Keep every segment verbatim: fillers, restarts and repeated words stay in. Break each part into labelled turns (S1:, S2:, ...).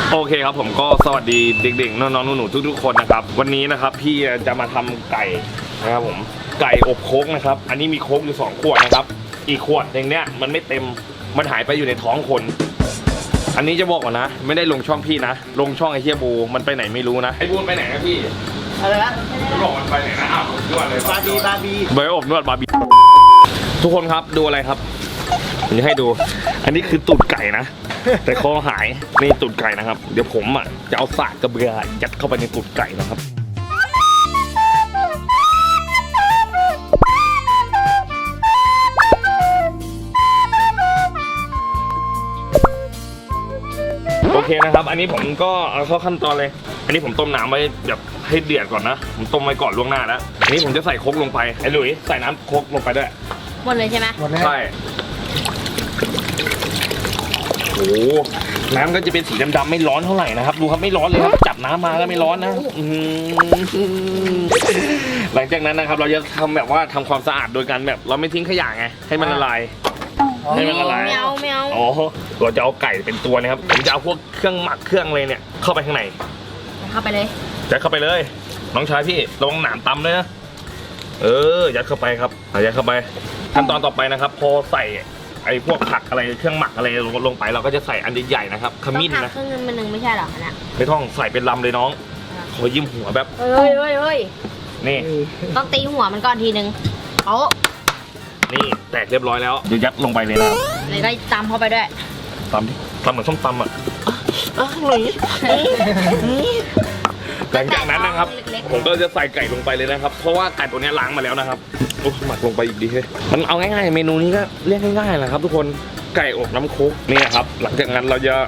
S1: โอเคครับผมก็สวัสดีเด็กๆน้องๆหนูๆทุกๆคนนะครับวันนี้นะครับพี่จะมาทำไก่นะครับผมไก่อบโค้กนะครับอันนี้มีโค้กอยู่สองขวดนะครับอีกขวดอย่างเนี้ยมันไม่เต็มมันหายไปอยู่ในท้องคนอันนี้จะบอกก่อนนะไม่ได้ลงช่องพี่นะลงช่องไอเฮียบูมันไปไหนไม่รู้นะไอบูไปไหนนะพี่
S2: อะไรนะ
S1: บอกมันไปไหนนะอ้าวนวดเลย
S2: บาร์บีบาร์บี
S1: เบย์อบนวดบาร์บีทุกคนครับดูอะไรครับผมจะให้ดูอันนี้คือตูดไก่นะแต่คอหายนี่ตูดไก่นะครับเดี๋ยวผมอ่ะจะเอาสากกระเบือยัดเข้าไปในตูดไก่นะครับโอเคนะครับอันนี้ผมก็เอาเข้าขั้นตอนเลยอันนี้ผมต้มน้ำไว้แบบให้เดือดก่อนนะผมต้มไว้ก่อนล่วงหน้าแล้วอันนี้ผมจะใส่โค้กลงไปไอ้หลุยใส่น้ำโค้กลงไปด้วย
S3: หมดเลยใช่ไหม
S2: หมดเลย
S1: ใช่โอ้น้ำก็จะเป็นสีดำๆไม่ร้อนเท่าไหร่นะครับดูครับไม่ร้อนเลยครับจับน้ำมาแล้วไม่ร้อนนะหลังจากนั้นนะครับเราจะทำแบบว่าทำความสะอาดโดยการแบบเราไม่ทิ้งขยะไงให้มันละลายให้มันละลาย
S3: ไม่เอาไม่เอา
S1: อ๋อเราจะเอาไก่เป็นตัวนะครับผมจะเอาพวกเครื่องหมักเครื่องอะไรเนี่ยเข้าไปข้างใน
S3: เข้าไปเลย
S1: ยัดเข้าไปเลยน้องชายพี่ระวังหนามตำเลยนะเออยัดเข้าไปครับยัดเข้าไปขั้นตอนต่อไปนะครับพอใส่ไอ้พวกผักอะไรเครื่องหมักอะไรลงไปเราก็จะใส่อันใหญ่ๆนะครับขมิ้นนะ
S3: เครื่องนึงมันหนึ่งไม่ใช่หรอเนี่ย
S1: ไม่ต้องใส่เป็นลำเลยน้องขอยิ้มหัวแบบ
S3: เฮ้ยเฮ้ยเฮ้ย
S1: นี่
S3: ต้องตีหัวมันก่อนทีนึงโอ้
S1: นี่แตกเรียบร้อยแล้วเดี๋ยวยัดลงไปเลยนะ
S3: เลยก็ตำเข้าไปด้วย
S1: ตำดิตำเหมือนส้มตำอ่ะหนุ่ยหลังจากนั้นนะครับผมก็จะใส่ไก่ลงไปเลยนะครับเพราะว่าไก่ตัวนี้ล้างมาแล้วนะครับโอ้หมักลงไปอีกดีเลยมันเอาง่ายๆเมนูนี้ก็เรียกง่ายๆแหละครับทุกคนไก่อบน้ำโค้กนี่ครับหลังจากนั้นเราจะ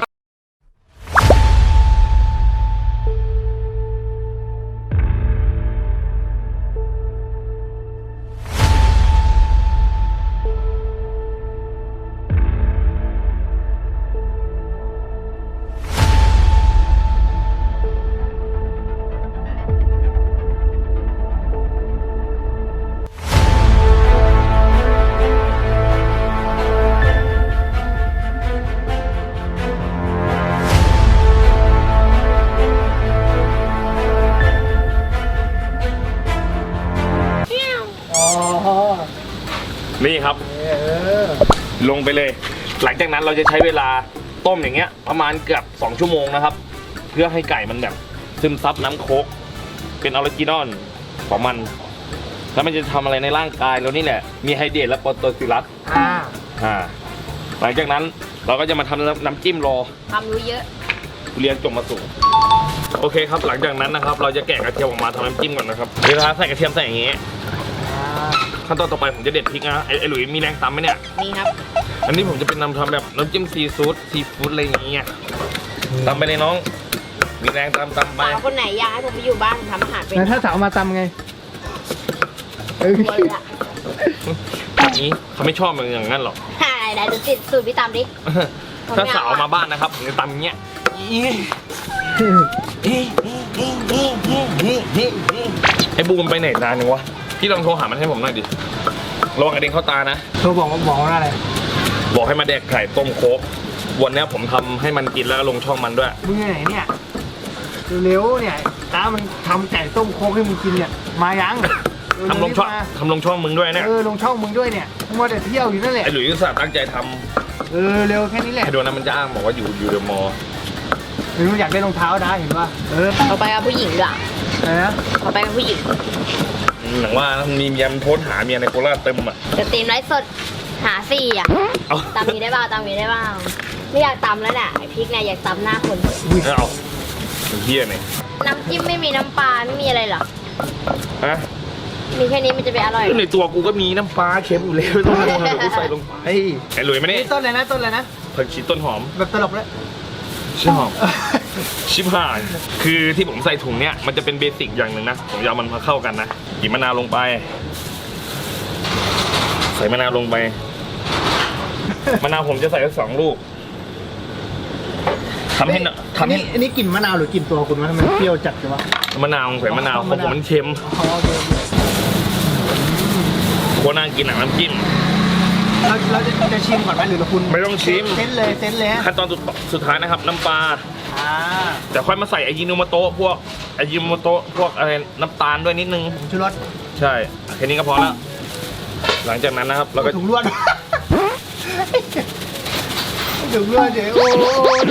S1: นี่ครับลงไปเลยหลังจากนั้นเราจะใช้เวลาต้มอย่างเงี้ยประมาณเกือบสองชั่วโมงนะครับเพื่อให้ไก่มันแบบซึมซับน้ำโค้กเป็นออริจินอลของมันแล้วมันจะทำอะไรในร่างกายเรานี่แหละมีไฮเดรตและโปรโตซิลัสอ่าอ่าหลังจากนั้นเราก็จะมาทำน้ำจิ้มรอ
S3: ทำรู้เยอะ
S1: เรียนจบมาสูงโอเคครับหลังจากนั้นนะครับเราจะแกะกระเทียมออกมาทำน้ำจิ้มก่อนนะครับเวลาใส่กระเทียมใส่อย่างงี้ขั้นตอนต่อไปผมจะเด็ดพริกนะไอ้ไอ้หลุยมีแรงตำไหมเนี่ย
S3: มีครับ
S1: อันนี้ผมจะเป็นนำทำแบบน้ำจิ้มซีฟู้ดซีฟู้ดอะไรอย่างเงี้ยตำไปเลยน้องมีแรงตำตำไป
S3: สาวคนไหนอยากให้ผมไปอยู่บ้านทำอาหารเป็น
S2: ถ้าสาวมาตำไง
S3: เออ
S1: แบบนี้เขาไม่ชอบมันอย่างนั้นหรอก
S3: ใช่ได้ดูสิสูตรพี่ตำดิ
S1: ถ้าสาวมาบ้านนะครับผมจะตำอย่างเงี้ยไอ้บูมไปไหนนานนึงวะพี่ลองโทรหามันให้ผมหน่อยดิระวังกระเด็นเข้าตานะ
S2: โทรบอกว่าบอกว่าอะไร
S1: บอกให้มาแดกไข่ต้มโค้กวันนี้ผมทำให้มันกินแล้วลงช่องมันด้วย
S2: มึงไหนเนี่ยเร็วเนี่ยตามันทำไก่ต้มโค้กให้มึงกินเนี่ยมายัง
S1: ทำลงช่องทำลงช่องมึงด้วยเนี่ย
S2: เออลงช่องมึงด้วยเนี่ยมัวแต่เที่ยวอยู่นั่นแหละ
S1: ไอ้หลุยส์ตั้งใจทำ
S2: เออเร็วแค่นี้แหละ
S1: ไอ้โดนนั้นมันจะอ้างบอกว่าอยู่อยู่เดอะมอลล์
S2: ไม่รู้อยากได้รองเท้านะเห็นป่ะเออ
S3: เอาไปกับผู้หญิงด้วย
S2: อะไรนะ
S3: เอาไปกับผู้หญิง
S1: หนังว่ามีเมียมันโพสหาเมียในโคราชเต็มอ่ะ
S3: จะตีมไลฟ์สดหาสี่อ่ะตำนี้ได้บ้างตำนี้ได้บ้างไม่อยากตำแล้วแหละไอพริกเนี่ยอยากตำหน้าคน
S1: เอาเฮียเนี่ย
S3: น้ำจิ้มไม่มีน้ำปลาไม่มีอะไรหรอ
S1: ฮะ
S3: มีแค่นี้มันจะไปอร่อย
S1: ในตัวกูก็มีน้ำปลาเค็มอยู่แล้วต้องลงมากูใส่ลงไปไอ้หลุยมาเนี่ย
S2: ต้นเลยนะต้นเลยนะ
S1: ผักชีต้นหอม
S2: แบบตลกเลย
S1: ชิบหายชิบหายคือที่ผมใส่ถุงเนี้ยมันจะเป็นเบสิกอย่างหนึ่งนะผมจะเอามันมาเข้ากันนะหยิบมะนาวลงไปใส่มะนาวลงไปมะนาวผมจะใส่สองลูกทำให้ทำให้
S2: อันนี้กลิ่นมะนาวหรือกลิ่นตัวคุณวะทำไมเปรี้ยวจัดจังวะ
S1: มะนาวใส่มะนาวของผมมันเค็มโคตรน่ากินหนังน้ำจิ้ม
S2: เราเราจะจะชิมก่อนไหมหรือเราคุณ
S1: ไม่ต้องชิม
S2: เซนเลยเซนเลย
S1: ขั้นตอนสุดท้ายนะครับน้ำปลา
S2: อ่า
S1: แต่ค่อยมาใส่อายิโนโมโตะพวกอายิโนโมโตะพวกอะไรน้ำตาลด้วยนิดนึง
S2: ผงชูรส
S1: ใช่แค่นี้ก็พอแล้วหลังจากนั้นนะครับเราก็
S2: ถุงลวดถุงลวดเดี๋ยวโอ้โห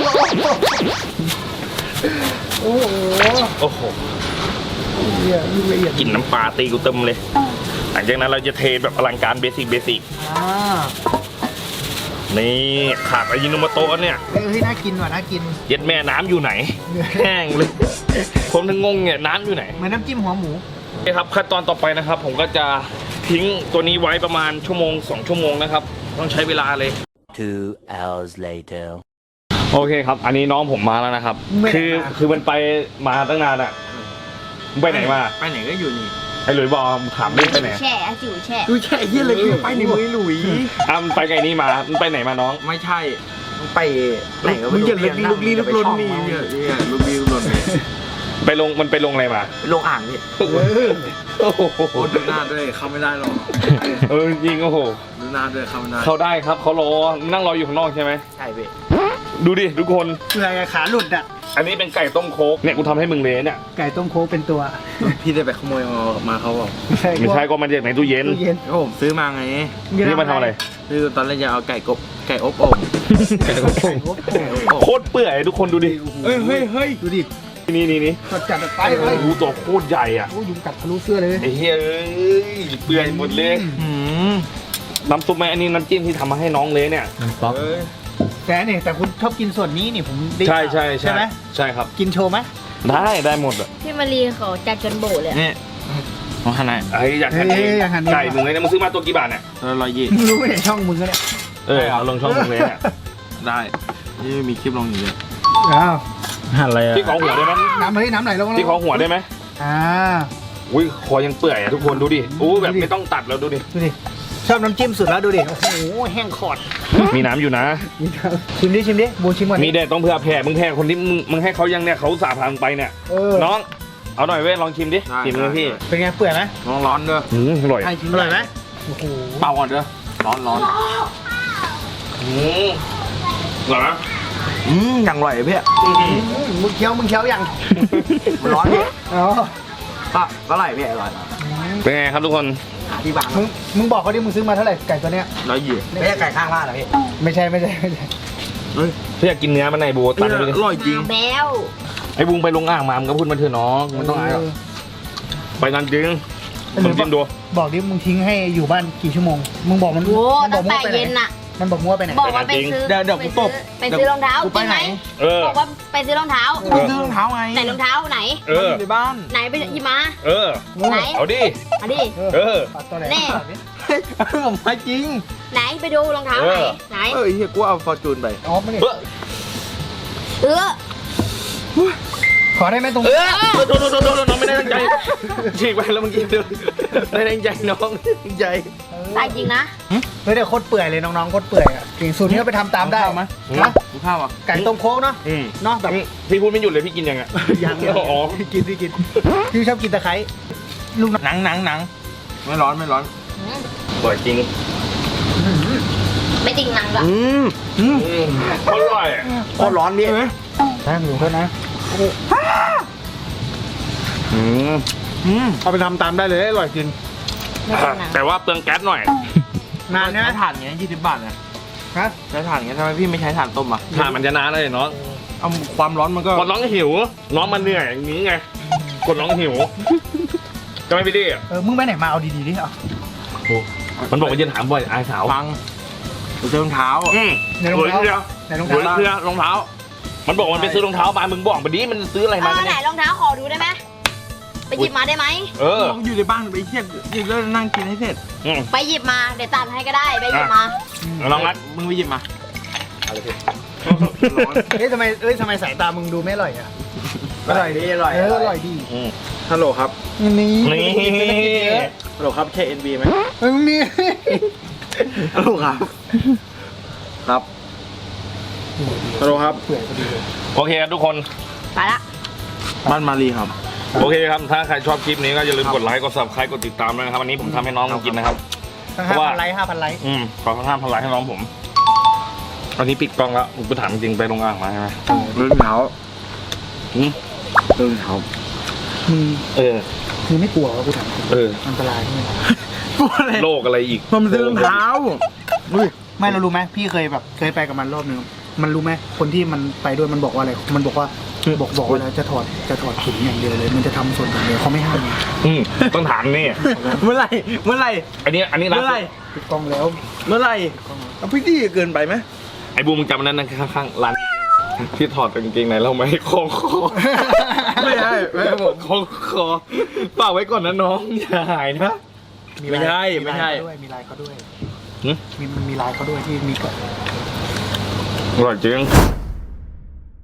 S2: โอ้โห
S1: โอ้โห
S2: เหี้ยลูกละเอียด
S1: กลิ่นน้ำปลาตีกูเต็มเลย หลังจากนั้นเราจะเทแบบอลังการเบสิกเบสิก
S2: อ่า
S1: นี่ขาดอายิโนโมโตะเนี่ย
S2: เฮ้ยน่ากินว่ะน่ากิน
S1: เย็ดแม่น้ำอยู่ไหน แห้งเลย ผมถึงงงเนี่ยน้ำอยู่ไหน
S2: เหมือนน้ำจิ้มหัวหมู
S1: โอเคครับขั้นตอนต่อไปนะครับ ผมก็จะทิ้งตัวนี้ไว้ประมาณชั่วโมงสองชั่วโมงนะครับ ต้องใช้เวลาเลย
S4: Two hours later.
S1: โอเคครับ อันนี้น้องผมมาแล้วนะครับ คือคือมันไปมาตั้งนานอะมึงไปไหนมา
S5: ไปไหนก็อยู่นี่
S1: ไอ้หลุยบอกถามเรื่องไปไหน
S3: แช่อาจิ๋วแช่
S5: ดูแช่เยี่ยเลยไปในมือหลุย
S1: อ่ะมันไปไงนี่มามันไปไหนมาน้อง
S5: ไม่ใช่มึงไปไหนก็
S2: มึงอย่าลึก
S5: ลุกลี้ลุกลนนี่เนี่ยเนี่ยลุกลี้ลุกลนนี่
S1: ไปลงมันไปลงอะไรมา
S5: ลงอ่างนี่
S1: โอ้โห
S5: โอ้ดูหน้าด้วยเข้าไม่ได้หรอก
S1: เออจริงโอ้โห
S5: ดูหน้าด้วยเข้าไม่ได้
S1: เขาได้ครับเขารอนั่งรออยู่ข้างนอกใช่ไหม
S5: ใช่พี่
S1: ดูดิทุกคน
S2: เพื่อขาหลุดอ่ะ
S1: อันนี้เป็นไก่ต้มโคกเนี่ยกูทำให้มึงเลยเนี่ย
S2: ไก่ต้มโค้กเป็นตัว
S5: พี่ได้ไปขโมยมาเขาบอก
S1: ไม่ใช่ก็มันจากในตู้เย็น
S2: ตู้เย็น
S5: ก็ผมซื้อมาไง
S1: นี่มาทำอะไร
S5: คือตอนแรกจะเอาไก่กบไก่อบโอ่งไก่อบโอ่งไก่อบโอ่ง
S1: โคตรเปื่อยทุกคนดูดิ
S5: เฮ้ยเฮ้ยเฮ้ย
S2: ดูดิ
S1: นี่นี่นี่
S2: จัดจัดไปเลย
S1: ดูตัวโคตรใหญ่อ่ะ
S2: โอ้ยุงกัดทะลุเสื้อเลย
S1: ไอ้เฮ้ยเอ้ยเปื่อยหมดเลย
S5: หืม
S1: น้ำซุปไหมอันนี้น้ำจิ้มที่ทำมาให้น้องเลยเนี่ย
S5: เฮ้ย
S2: แต่เนี่ยแต่คุณชอบกินส่วนนี้นี่ผมได้
S1: ใช่ใช่
S2: ใช่ไหม
S1: ใช่ครับ
S2: กินโชว์ไหม
S1: ได้ได้หมดอ่ะ
S3: พี่มารีเขาจัดจนโบเลยอะ
S5: นี่ของขนาด
S1: ไอ้ยอยากหั่นเองไก่มึงเลยเนี่ยมึงซื้อมาตัวกี่บาทเนี่ย
S5: ตัวร้อยยี่
S2: มึงรู้ไหมเนี่ยช่องมึงก็เนี่ย
S1: เออเอาลงช่องมึงเลยเนี่ย
S5: ได้นี่มีคลิปลงอยู่เลย
S2: อ้าว
S5: อะไรอะ
S1: พี่ขอหัวได้ไหม
S2: น้ำเฮ้ยน้ำไหลลงมา
S1: พี่ขอหัวได้ไหม
S2: อ่า
S1: อุ้ยคอยังเปื่อยอะทุกคนดูดิอู้แบบไม่ต้องตัดแล้วดูดิ
S2: ดูดิชอบน้ำจิ้มสุดแล้วดูดิโอ้โหแห้งขอด
S1: มีน้ำอยู่นะ
S2: นี่ครับชิมดิชิมดิบูชิมก่อน
S1: มี
S2: ดิ
S1: เด็ดต้องเพื่อแผ่มึงแผ่คนที่มึงมึงให้เขายังเนี่ยเขาสาพามึงไปเนี่ย
S2: เออ
S1: น้อง เอาหน่อยเว้ยลองชิมดิชิมเลยพี่
S2: เป็นไงเปื่อยไหม
S5: ร้อนร้อนๆเด้อ
S1: อืมอร่อย
S2: ใช่ชิมอร่อยไหมโอ้โห
S5: เป่าก่อนเด้อร้อนร้อน
S1: อืมอร่อยไหม
S5: อืมอย่างอร่อยพี่
S2: อืมมึงเคี้ยวมึงเคี้ยวยัง
S5: มันร้อนพี่
S2: อ๋อ
S5: ก็ก็อร่อยพี่อร่อย
S1: เป็นไงครับทุกคน
S5: ที่บาง
S2: มึงมึงบอกเขาดิมึงซื้อมาเท่าไหร่ไก่ตัวเนี้ย
S5: ร้อยยี่ไม่ใช่ไก่ข้างบ้านเหรอพี่
S2: ไม่ใช่ไม่ใช่ไม่ใช่
S5: เฮ้ย
S1: พี่อยากกินเนื้อมันในบูตันไปดิ
S5: อร่อยจริง
S3: แบว
S1: ไอ้บุงไปลงอ่างมามันก็พูดมาเถอะน้องมันต้องอายหรอกไปนั่นจริงผมจิ้มดู
S2: บอกดิมึงทิ้งให้อยู่บ้านกี่ชั่วโมงมึงบอกมัน
S3: โว้
S2: มันบ
S3: ตั้
S2: อก
S3: ง
S2: มั่ว
S3: แต่
S2: ไปไหน
S3: เย็นน่ะ
S2: มันบอกมั่วไปไหน
S3: บอกว่าไปซื้อ
S5: เดี๋ยวเดี๋ยวกูตบ
S3: ไปซื้อรองเท้า
S5: กู
S3: จ
S5: ไป
S3: ริง
S5: ไห
S3: ไห
S5: น
S3: ม
S1: เออ
S3: บอกว่าไปซื้อรองเท้า
S5: กูซื้อรองเท้าไง
S3: ไหนรองเท้าไหน
S1: เออ
S5: ในบ้าน
S3: ไหนไปหยิบมา
S1: เออ
S3: ไหน
S1: เอาดิ
S3: มาดิ
S1: เออ
S2: ปัดตัวไหน
S3: แน่
S2: ปัดดิ
S5: ผมไม่จริง
S3: ไหนไปดูรองเท้าไหนไหน
S5: เออเฮียกูเอาฟอร์จูนไป
S2: อ๋อไม่ได้
S1: เออ
S3: เออ
S2: ขอได้ไหมตรง
S1: เออโดนโดนโดนน้องไม่ได้ตั้งใจฉีกไปแล้วเมื่อกี้เดินไม่ได้ตั้งใจน้องตั้งใจ
S3: ตายจริงนะ
S2: เฮ้ยเดี๋ยวโคตรเปื่อยเลยน้องๆโคตรเปื่อยอ่ะเก่งสูตรนี้ก็ไปทำตามได้
S5: เอาไหม
S2: นะ
S5: กูข้าวอ่ะ
S2: ไก่ต้มโค้กเนาะ
S1: อืม
S2: เนาะแบบ
S1: พี่พูดไม่หยุดเลยพี่กินยังไง
S2: ยัง
S1: อ๋อ
S2: กินดิกินพี่ชอบกินตะไคร้ลูกน้
S5: หนังหนังหนังไม่ร้อนไม่ร้อน
S1: อร่อยจริง
S3: ไม่จริงนังหรอก
S5: อืมอืม
S1: อืมอร่อยอะ
S5: โคตรร้อนพี่
S2: ำนะหนูเท่านะ
S1: อืม
S5: อืม
S2: เอาไปทำตามได้เลยอร่อยจริง
S3: ไม่จริงนัง
S1: แต่ว่าเปลืองแก๊สหน่อย
S2: นาน
S5: ใช้
S2: นะ
S5: ถ่านเงี้ยยี่สิบบาทเนี่ย
S2: ฮะ
S5: ใช้ถ่านเงี้ยทำไมพี่ไม่ใช้ถ่านต้มอ่ะ
S1: ถ่านมันจะนานเลยเนาะ
S5: เอาความร้อนมันก็
S1: กดน้องหิว น้องมันเหนื่อยอย่างนี้ไงกดน้องหิวจะไม่ไปดิ
S2: เออมึงไปไหนมาเอาดีๆดิเอา
S1: มันบอกว่าจะถามบ่อยอายสาว
S5: ฟังกูซื้อรองเท้า
S1: อืม
S2: ในรอง
S1: หัว
S2: เท้า
S1: เรือ
S2: ในรอง
S1: หัว
S2: เท้า
S1: เรือรองเท้า มันบอกมันไปซื้อรองเท้ามามึงบอกมาดิมันซื้ออะไร
S3: เอ
S1: มา
S3: อ
S1: กัน
S3: ไหน
S1: เนี่ย
S3: รองเท้าขอดูได้ไหมไปหยิบมาได้ไหม
S1: เออ
S5: มึงอยู่ในบ้านไปเที่ยงอยู่แล้วนั่งกินให้เสร็จ
S1: อืม
S3: ไปหยิบมาเดี๋ยวตัดให้ก็ได้ไปหยิบมา
S1: น้องรัก
S5: มึงไปหยิบมา ร้อน
S2: เฮ้ยทำไมเอ้ยทำไมสายตามึงดูไม่อร่อยอ่ะ
S5: อร่อยดีอร่อย
S2: เอออร่อยดี
S1: อืม
S5: ฮัลโหลครับ
S2: นี่
S1: นี่
S5: ฮัลโหลครับใช่ เอ็น บี ไหม
S2: เฮ้ยมึงนี่
S5: ฮัลโหลครับ ครับฮัลโหลครับ
S2: เปื่อยพอดีเลย
S1: โอเคครับทุกคน
S3: ไปละ
S5: บ้านมารีครับ
S1: โอเคครับ ถ้าใครชอบคลิปนี้ก็อย่าลืมกดไลค์ กด subscribe กดติดตามด้วยนะครับ วันนี้ผมทำให้น้องมันกินนะครับ
S2: ตั้ง
S1: เพ
S2: ห้า
S1: ราะว่า
S2: พันไลค์ห้าพันไลค์
S1: อืม ขอข้างๆพนไลค์ให้น้องผม ตอนนี้ปิดกล้องแล้วผมไปถามจริงไปโรงอ่างมาใช่ไหม
S5: รถเหนา
S1: อืม
S5: เออครับ
S2: มึง
S1: เออ
S2: มึงไม่กลัวว่ากูถาม
S1: เออ
S2: อันตรายใช่ไหม
S5: กลัวอะไร
S1: โรคอะไรอีก
S5: มันซื้อรองเท้าอุ้ย
S2: ไม่เรารู้ไหมพี่เคยแบบเคยไปกับมันรอบนึงมันรู้ไหมคนที่มันไปด้วยมันบอกว่าอะไรมันบอกว่าบอกบอกว่าแล้วจะถอดจะถอดถุงอย่างเดียวเลย มันจะทำส่วนอย่างเดียวเขาไม่ห้ามไง
S1: อืมต้องถามนี่
S5: เมื่อไหร่เมื่อไหร่
S1: อันนี้อันนี้ร้าน
S5: เมื่อไหร่
S2: ปิดกล้องแล้ว
S5: เมื่อไหร่เอาพี่ดี้เกินไปไหม
S1: ไอ้บูมมึงจำนั้นนะข้างๆร้านที่ถอดกางเกงในเราไหมคล้องคอ
S5: ไม่ใช่ไม่ใช่ผม
S1: คล้องคอฝากไว้ก่อนนะน้องอย่าหายนะ
S5: ไม่ใช่ไม่ใช่
S2: ด้วยมีลายเขาด้วย
S1: หึ
S2: มีมีลายเขาด้วยที่มีกับ
S1: อร่อยจริง